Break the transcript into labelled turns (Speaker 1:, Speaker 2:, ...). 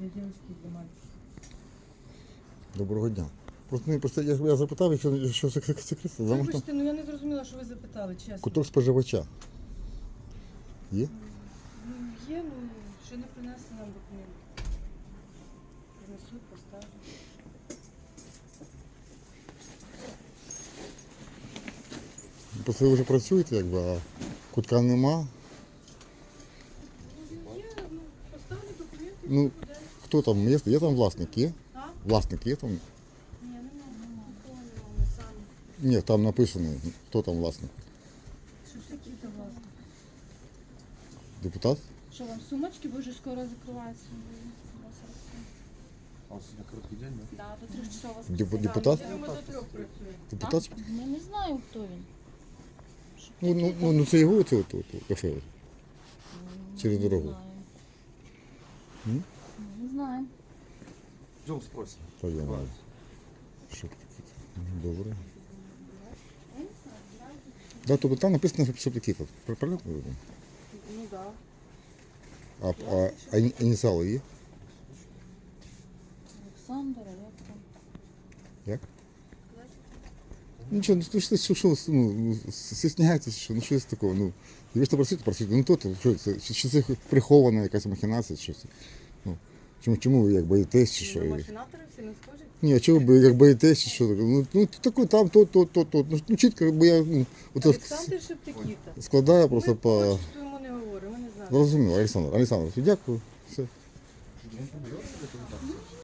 Speaker 1: для дівчинки і для мальчика.
Speaker 2: Доброго дня. Просто я запитав, якщо секрет.
Speaker 1: Вибачте, ну я не зрозуміла, що ви запитали, чесно.
Speaker 2: Куток споживача. Є?
Speaker 1: Ну, є, ну, ще не принесли нам документи. Принесуть, поставлю.
Speaker 2: Просто ви вже працюєте, якби, а кутка нема.
Speaker 1: Ну, є, ну, поставлю документи,
Speaker 2: Ну,
Speaker 1: все буде.
Speaker 2: хто там? Є там власник? Є?
Speaker 1: А?
Speaker 2: Власник є там?
Speaker 1: Ні, нема, нікого нема, ми самі.
Speaker 2: Ні, там написано, хто там власник.
Speaker 1: Що ж такі то власне?
Speaker 2: Депутат?
Speaker 1: Що вам сумочки, бо вже скоро закриваються.
Speaker 3: А у вас сегодня короткий день, да?
Speaker 1: Да, до 3 часов вас
Speaker 2: Депутат?
Speaker 1: Ми до 3 працюємо.
Speaker 2: Депутат?
Speaker 4: Я не знаю, хто він.
Speaker 2: Ну це його це кафе через
Speaker 4: Не
Speaker 2: дорогу.
Speaker 4: знаю.
Speaker 2: М?
Speaker 4: Не знаю.
Speaker 3: Идем спросим.
Speaker 2: Та я знаю. Що таке? Добре. Да, тобто там написано, що такі тут. Правильно?
Speaker 1: Ну так.
Speaker 2: А ініціали є?
Speaker 4: Олександр, а як там?
Speaker 2: Як? Нічого, ну що, стісняєтесь, що, ну щось такого, ну, і ви ж там працюєте, ну то, що це, чи це прихована якась махінація, чи це, ну, чому ви як боїтесь, чи що?
Speaker 1: Ну, машинатори всі не схожі?
Speaker 2: Ні, а чого ви як боїтесь, чи що, ну таке там, то, ну чітко, бо я, ну, ото
Speaker 1: Олександр Шептикіта.
Speaker 2: складаю просто
Speaker 1: Ми по
Speaker 2: по,
Speaker 1: отчеству йому не говоримо, ми не знаємо.
Speaker 2: зрозуміло, Олександр, Олександр, дякую, все.
Speaker 1: Ну,